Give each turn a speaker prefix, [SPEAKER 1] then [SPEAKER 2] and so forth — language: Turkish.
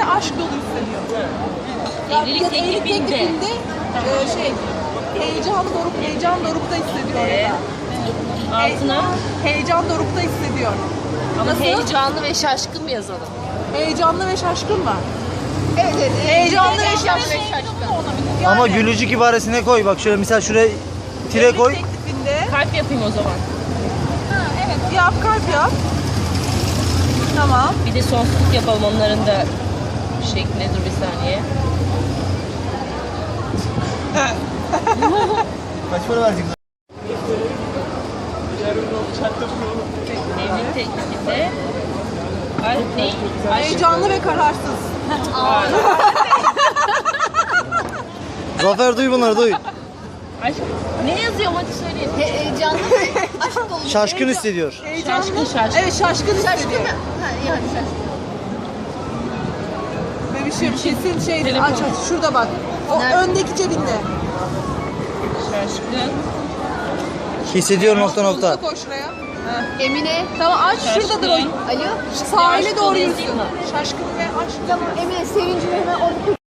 [SPEAKER 1] aşk dolu hissediyor.
[SPEAKER 2] Evlilik teklifinde.
[SPEAKER 1] Heyecan dorukta hissediyor ya da.
[SPEAKER 2] Altına
[SPEAKER 1] Heyecan dorukta hissediyor.
[SPEAKER 2] ama
[SPEAKER 1] Nasıl?
[SPEAKER 2] heyecanlı ve şaşkın mı yazalım?
[SPEAKER 1] Heyecanlı ve şaşkın mı?
[SPEAKER 3] Evet.
[SPEAKER 1] Heyecanlı ve şaşkın. Yani,
[SPEAKER 4] Ama gülücük ibaresine koy. Bak şöyle mesela şuraya tire koy.
[SPEAKER 1] teklifinde.
[SPEAKER 2] Kalp yapayım o zaman.
[SPEAKER 1] Evet. Yap, kalp yap. Tamam.
[SPEAKER 2] Bir de sonsuzluk yapalım onların da şekline. Dur bir saniye.
[SPEAKER 4] Kaç para vereceksin?
[SPEAKER 2] Evlilik teklifinde kalp ne? Aşk.
[SPEAKER 1] Heyecanlı ve kararsız.
[SPEAKER 4] Zafer duy bunları duy.
[SPEAKER 2] Aşk. Ne yazıyorum hadi söyleyin.
[SPEAKER 3] Heyecanlı. Aşk dolu.
[SPEAKER 4] Şaşkın hissediyor.
[SPEAKER 1] Heyecanlı.
[SPEAKER 2] Şaşkın.
[SPEAKER 1] Evet, şaşkın hissediyor.
[SPEAKER 3] Ha, yani şaşkın.
[SPEAKER 1] Bebişim kesin şeydir.
[SPEAKER 2] Telefon.
[SPEAKER 1] Aç aç. Şurada bak. O
[SPEAKER 3] Nerede?
[SPEAKER 1] öndeki cebinde.
[SPEAKER 2] Şaşkın.
[SPEAKER 4] Hissediyor nokta
[SPEAKER 1] Bunu
[SPEAKER 4] nokta.
[SPEAKER 1] da koy şuraya. Heh.
[SPEAKER 3] Emine.
[SPEAKER 1] Tamam aç. Şuradadır o.
[SPEAKER 2] Şaşkın.
[SPEAKER 3] Alo.
[SPEAKER 1] Sahile
[SPEAKER 2] Aşk
[SPEAKER 1] doğru
[SPEAKER 2] dolu
[SPEAKER 1] yürüsün.
[SPEAKER 2] yazayım mı?
[SPEAKER 1] Şaşkın ve aşk.
[SPEAKER 3] Tamam Emine sevincimi hemen onu